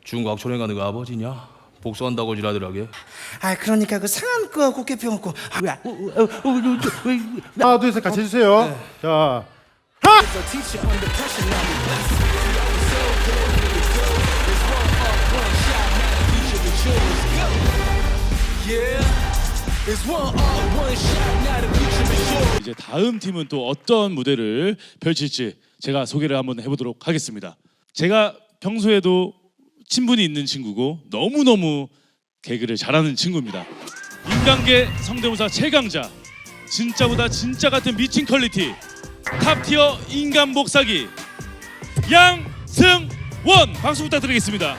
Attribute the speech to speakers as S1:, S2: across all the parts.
S1: 중국 초랭가 너가 아버지냐? 복수한다고 지라더라게.
S2: 아 그러니까 그 상한 거 곱게 펴먹고
S3: 하나 둘 셋 같이 해주세요. 자
S4: 이제 다음 팀은 또 어떤 무대를 펼칠지 제가 소개를 한번 해보도록 하겠습니다. 제가 평소에도 친분이 있는 친구고 너무너무 개그를 잘하는 친구입니다. 인간계 성대모사 최강자, 진짜보다 진짜 같은 미친 퀄리티, 탑티어 인간 복사기 양승원 박수 부탁드리겠습니다.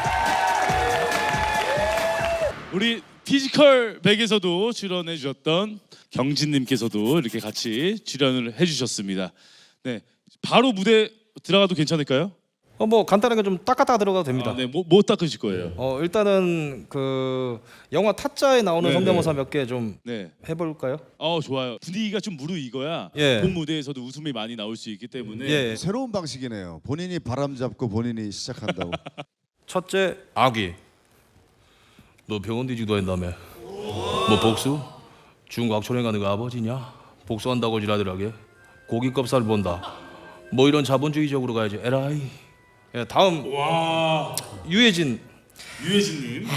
S4: 우리 피지컬 백에서도 출연해 주셨던 경진님께서도 이렇게 같이 출연을 해주셨습니다. 네, 바로 무대 들어가도 괜찮을까요?
S2: 뭐 간단하게 좀 닦았다가 들어가도 됩니다.
S4: 네, 뭐 닦으실 거예요?
S2: 일단은 그 영화 타짜에 나오는
S4: 네,
S2: 성대모사 몇 개 좀
S4: 네,
S2: 해볼까요?
S4: 좋아요. 분위기가 좀 무르익어야
S2: 예.
S4: 본 무대에서도 웃음이 많이 나올 수 있기 때문에
S2: 예.
S5: 새로운 방식이네요. 본인이 바람 잡고 본인이 시작한다고.
S2: 첫째
S1: 아기. 너 병원 뒤지기도 한다며. 뭐 복수? 중국 초랭가 너가 아버지냐? 복수한다고 지라더라게. 고기 껍살 본다. 뭐 이런 자본주의적으로 가야지. 에라이.
S2: 예, 다음
S4: 와,
S2: 유해진.
S4: 유해진님.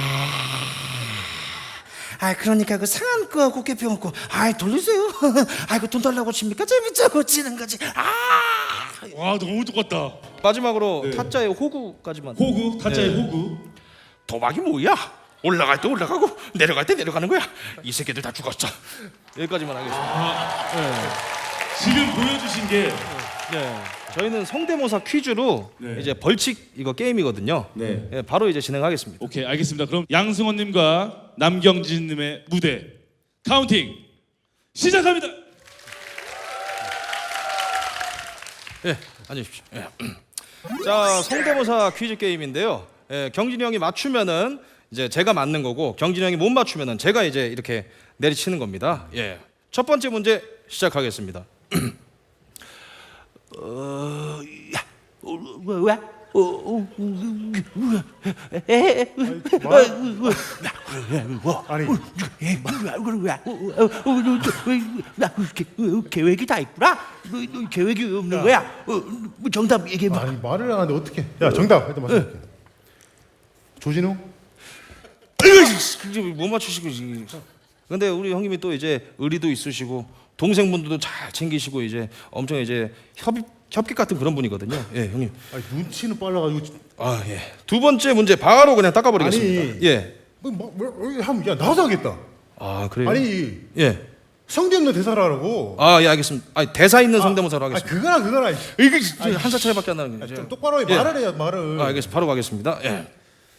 S2: 아 그러니까 그 상한 거 곱게 펴먹고 아 돌리세요. 아이고 돈 달라고 칩니까? 재밌자고 치는 거지.
S4: 와, 너무 똑같다.
S2: 마지막으로 타짜의 호구까지만.
S4: 호구, 타짜의
S2: 네.
S4: 호구.
S1: 도박이 뭐야? 올라갈 때 올라가고 내려갈 때 내려가는 거야. 이 새끼들 다 죽었어.
S2: 여기까지만 하겠습니다.
S4: 지금 보여주신 게
S2: 네. 저희는 성대모사 퀴즈로
S4: 네.
S2: 이제 벌칙 이거 게임이거든요.
S4: 네.
S2: 예, 바로 이제 진행하겠습니다.
S4: 오케이, 알겠습니다. 그럼 양승원님과 남경진님의 무대 카운팅 시작합니다.
S2: 예, 앉으십시오. 예. 자, 성대모사 퀴즈 게임인데요. 예, 경진이 형이 맞추면은 이제 제가 맞는 거고 경진이 형이 못 맞추면은 제가 이제 이렇게 내리치는 겁니다. 예. 첫 번째 문제 시작하겠습니다.
S6: 계획이 다 있구나. 너 계획이 없는 거야. 뭐 정답 얘기해봐.
S3: 아니 말을 안 하는데 어떻게? 야 정답 일단 말씀할게. 조진우?
S2: 못 맞추시고 지금. 근데 우리 형님이 또 이제 의리도 있으시고 동생분들도 잘 챙기시고 이제 엄청 이제 협객 같은 그런 분이거든요. 예, 형님.
S3: 아니 눈치는 빨라가지고.
S2: 아, 예. 두 번째 문제 바로 그냥 닦아버리겠습니다.
S3: 아니.
S2: 예.
S3: 야 나와서 하겠다.
S2: 아, 그래요?
S3: 아니
S2: 예.
S3: 성대 없는 대사라고.
S2: 아, 예, 알겠습니다. 아, 대사 있는 성대모사로
S3: 아니
S2: 하겠습니다.
S3: 그거나.
S2: 이게 한 살 차이밖에 안 나는 거죠.
S3: 좀 똑바로
S2: 예.
S3: 말을 해야 말을.
S2: 아, 알겠습니다. 바로 가겠습니다. 예.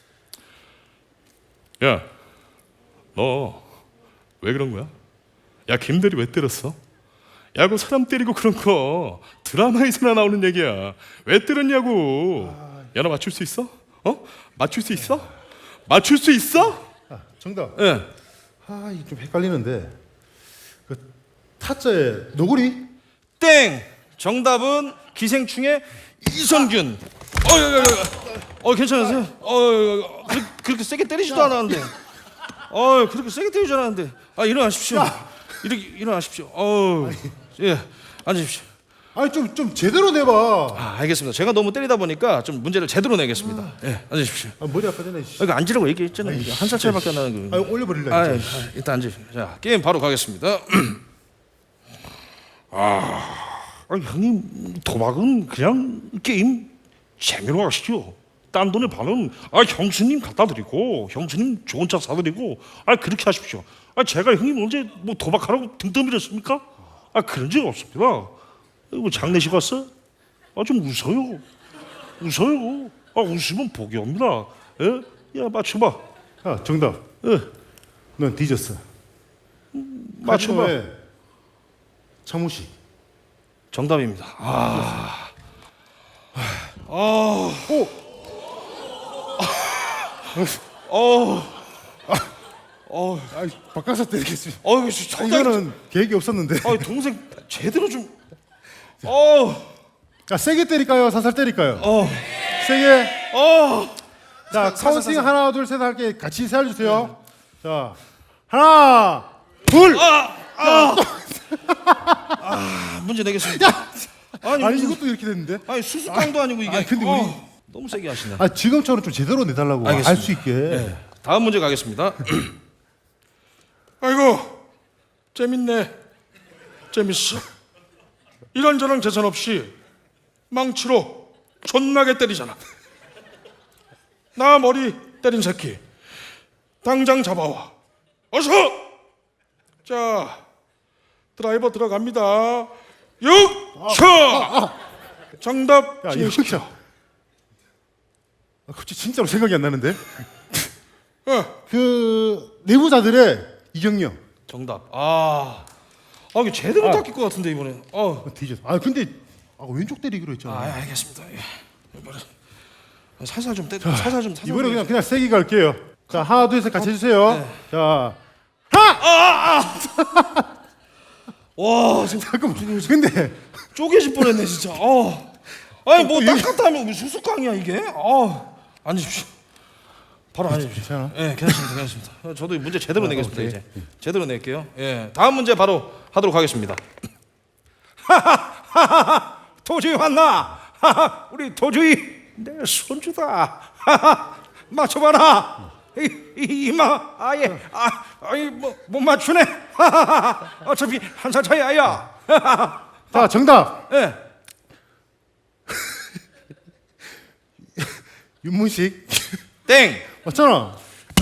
S1: 야, 너 왜 그런 거야? 야, 김대리 왜 때렸어? 야, 그 사람 때리고 그런 거 드라마에서나 나오는 얘기야. 왜 때렸냐고. 야, 너 맞출 수 있어? 맞출 수 있어? 맞출 수 있어?
S3: 정답.
S2: 예.
S3: 아 이게 좀 헷갈리는데. 그 타짜의 노구리?
S2: 땡. 정답은 기생충의 이성균. 괜찮으세요? 그렇게 세게 때리지도 않았는데. 그렇게 세게 때리지 않았는데. 일어나십시오. 일어나십시오. 예, 앉으십시오.
S3: 아니 좀 제대로 내봐.
S2: 알겠습니다. 제가 너무 때리다 보니까 좀 문제를 제대로 내겠습니다. 예, 앉으십시오.
S3: 머리 아까 전에.
S2: 이거 앉으라고 얘기했잖아요. 한 살 차이밖에 안 나는 거.
S3: 올려버릴래.
S2: 일단 앉으십시오. 자, 게임 바로 가겠습니다. 형님 도박은 그냥 게임 재미로 하시죠. 딴 돈에 반은 형수님 갖다 드리고 형수님 좋은 차 사드리고 그렇게 하십시오. 제가 형님 언제 뭐 도박하라고 등 떠밀었습니까? 그런 적 없습니다. 뭐 장례식 왔어? 좀 웃어요. 웃으면 복이 옵니다. 예? 야 맞춰봐.
S3: 야 정답.
S2: 예.
S3: 넌 뒤졌어.
S2: 맞춰봐.
S3: 차무식.
S2: 정답입니다.
S3: 바꿔서 때리겠습니다.
S2: 이거는
S3: 이거는 계획이 없었는데.
S2: 동생 제대로 좀.
S3: 야 세게 때릴까요? 살살 때릴까요? 세게. 자, 카운팅 하나, 둘, 셋 할게. 같이 세워주세요. 자, 하나, 둘.
S6: 문제 내겠습니다.
S3: 아니 이것도 이렇게 됐는데?
S6: 아니 수수깡도 아니고 이게.
S3: 근데 우리
S6: 너무 세게 하시네.
S3: 아 지금처럼 좀 제대로 내달라고
S6: 알겠습니다.
S3: 알 수 있게.
S6: 다음 문제 가겠습니다.
S1: 아이고 재밌네. 재밌어. 이런저런 재산 없이 망치로 존나게 때리잖아. 나 머리 때린 새끼 당장 잡아와. 어서. 자 드라이버 들어갑니다. 6초. 정답
S3: 야
S1: 진행시켜.
S3: 이거 갑자기 진짜로 생각이 안 나는데? 그 내부자들의 이경영.
S6: 정답. 이게 제대로 닦일 것 같은데 이번에.
S3: 뒤졌어. 아 근데 왼쪽 때리기로 했잖아.
S6: 알겠습니다. 예. 이번에 살살 좀 때려. 살살 좀.
S3: 이번에 그냥 세게 갈게요. 자 하나 둘 셋 같이 해주세요.
S6: 네.
S3: 자
S6: 와 지금
S3: 잠깐만. 근데
S6: 쪼개질 뻔했네 진짜. 아니 뭐 닦았다 하면 왜 수수깡이야 이게? 앉으십시오. 바로 앉으십시오.
S3: 괜찮아?
S6: 예, 괜찮습니다. 저도 문제 제대로 내겠습니다 이제. 제대로 낼게요. 예, 다음 문제 바로 하도록 하겠습니다. 도저히 왔나? 우리 도저히 내 손주다. 맞춰봐라. 이마 아예 아니 못 맞추네. 어차피 한 살 차이 아야.
S3: 자 정답.
S6: 예.
S3: 윤문식.
S6: 땡.
S3: 맞잖아.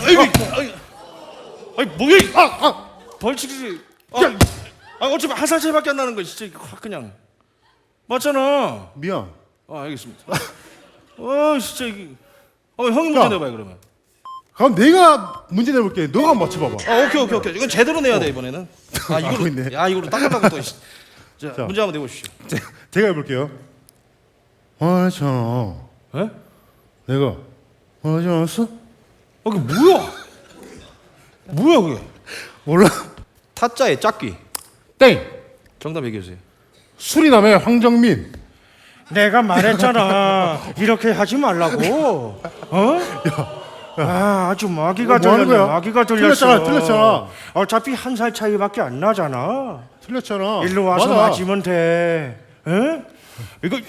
S6: 아니 뭐야? 벌칙이지. 어차피 한 살 차이밖에 안 나는 거 진짜 이거 확 그냥 맞잖아.
S3: 미안.
S6: 알겠습니다. 진짜 이게. 형이 문제
S3: 야.
S6: 내봐요 그러면.
S3: 그럼 내가 문제 내볼게. 너가 한번 맞춰봐봐.
S6: 오케이. 이건 제대로 내야 돼 이번에는.
S3: 하고 있네.
S6: 이거로 닦으려고 또. 자,
S3: 자.
S6: 문제 한번 내보십시오.
S3: 제가 해볼게요. 화나잖아.
S6: 에?
S3: 내가 화나지 않았어?
S6: 그게 뭐야? 뭐야 그게?
S3: 몰라.
S6: 타짜의 짝귀.
S3: 땡.
S6: 정답 얘기해 주세요.
S3: 수리남의 황정민.
S6: 내가 말했잖아. 이렇게 하지 말라고. 아주 마귀가
S3: 뭐 하는
S6: 들렸네.
S3: 거야?
S6: 마귀가 들렸어.
S3: 틀렸잖아.
S6: 어차피 한 살 차이밖에 안 나잖아.
S3: 틀렸잖아.
S6: 일로 와서
S3: 맞아.
S6: 맞으면 돼. 에? 이거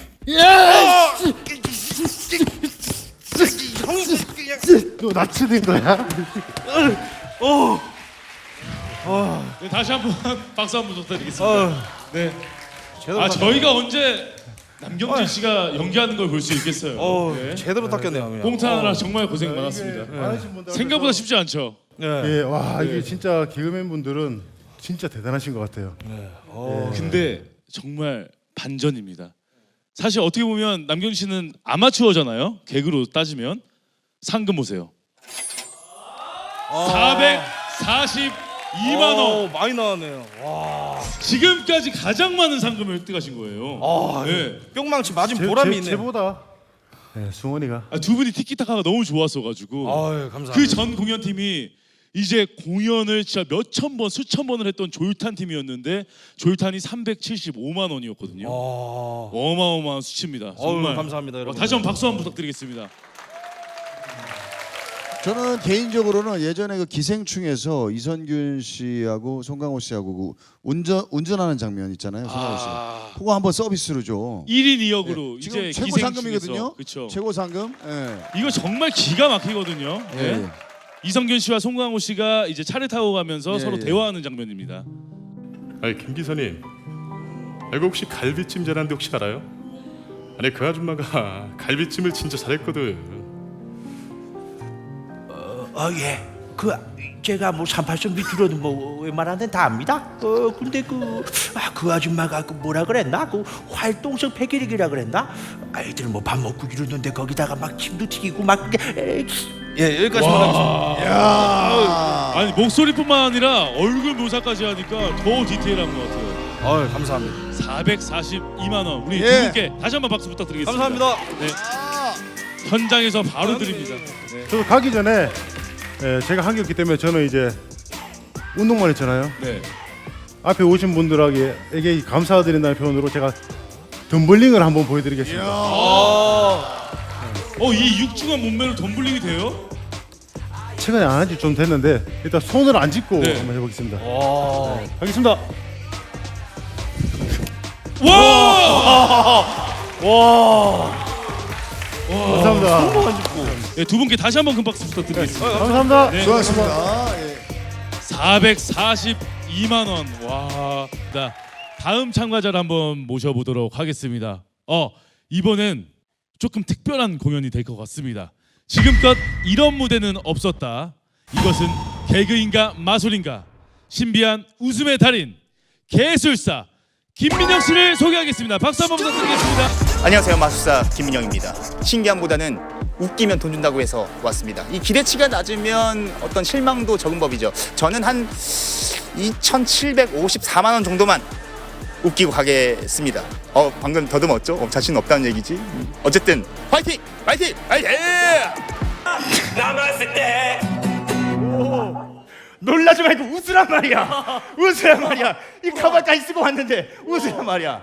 S3: 너 나치된 거야?
S4: 네, 다시 한번 박수 한번 부탁드리겠습니다. 네.
S6: 제대로
S4: 저희가 언제 남경진 씨가 연기하는 걸 볼 수 있겠어요. 네.
S6: 제대로 닦였네요. 그냥.
S4: 봉탄하느라 정말 고생 많았습니다.
S3: 많으신 분들
S4: 생각보다 쉽지 않죠.
S3: 예, 와 이게 진짜 개그맨 분들은 진짜 대단하신 것 같아요.
S4: 근데 정말 반전입니다. 사실 어떻게 보면 남경진 씨는 아마추어잖아요. 개그로 따지면 상금 보세요. 442만 원.
S6: 많이 나왔네요. 와.
S4: 지금까지 가장 많은 상금을 획득하신 거예요. 네.
S6: 뿅망치 맞은 보람이 있네요.
S3: 제보다 승원이가
S4: 두 분이 티키타카가 너무 좋았어가지고
S6: 감사합니다.
S4: 그 전 공연팀이 이제 공연을 진짜 몇천 번, 수천 번을 했던 조율탄 팀이었는데 조율탄이 375만 원이었거든요. 어마어마한 수치입니다. 정말
S6: 감사합니다, 여러분.
S4: 다시 한번 박수 한번 부탁드리겠습니다.
S5: 저는 개인적으로는 예전에 그 기생충에서 이선균 씨하고 송강호 씨하고 그 운전하는 장면 있잖아요. 송강호 씨. 그거 한번 서비스로 줘.
S4: 1인 2역으로
S5: 지금
S4: 이제
S5: 최고
S4: 기생충에서
S5: 상금이거든요.
S4: 그렇죠.
S5: 최고 상금. 예.
S4: 이거 정말 기가 막히거든요.
S5: 예.
S4: 네. 이성균 씨와 송강호 씨가 이제 차를 타고 가면서
S5: 예,
S4: 서로
S5: 예.
S4: 대화하는 장면입니다.
S1: 아니 김 기사님, 이거 혹시 갈비찜 잘하는데 혹시 알아요? 아니 그 아줌마가 갈비찜을 진짜 잘했거든.
S6: 예. 제가 뭐 38점 밑으로도 뭐 웬만한 데는 다 압니다. 근데 그 아줌마가 뭐라 그랬나? 그 활동성 폐기력이라 그랬나? 아이들 뭐 밥 먹고 이러는데 거기다가 막 침도 튀기고 막 예, 여기까지만 하겠습니다.
S4: 아니 목소리뿐만 아니라 얼굴 묘사까지 하니까 더 디테일한 것 같아요.
S6: 감사합니다.
S4: 442만 원 우리
S5: 예.
S4: 두 분께 다시 한번 박수 부탁드리겠습니다.
S6: 감사합니다.
S4: 네. 현장에서 바로 드립니다. 네.
S3: 저 가기 전에 제가 한겼기 때문에 저는 이제 운동만 했잖아요.
S4: 네.
S3: 앞에 오신 분들에게 감사드린다는 표현으로 제가 덤블링을 한번 보여드리겠습니다.
S4: 이 육중한 몸매로 덤블링이 돼요?
S3: 최근에 안 한 지 좀 됐는데 일단 손을 안 짚고
S4: 네.
S3: 한번 해보겠습니다. 네, 하겠습니다. 감사합니다.
S4: 네, 두 분께 다시 한번 큰 박수 부탁드리겠습니다.
S3: 감사합니다.
S4: 네.
S5: 수고하셨습니다. 예.
S4: 442만 원. 와. 자, 다음 참가자를 한번 모셔보도록 하겠습니다. 이번엔 조금 특별한 공연이 될 것 같습니다. 지금껏 이런 무대는 없었다. 이것은 개그인가 마술인가 신비한 웃음의 달인 개술사 김민영 씨를 소개하겠습니다. 박수 한번 부탁드리겠습니다.
S7: 안녕하세요, 마술사 김민영입니다. 신기함보다는 웃기면 돈 준다고 해서 왔습니다. 이 기대치가 낮으면 어떤 실망도 적은 법이죠. 저는 한 2,754만 원 정도만 웃기고 가겠습니다. 방금 더듬었죠? 자신 없다는 얘기지. 어쨌든 화이팅! 화이팅! 화이팅!
S6: 남았을 때 놀라지 말고 웃으란 말이야. 웃으란 말이야. 이 가발까지 쓰고 왔는데 웃으란 말이야.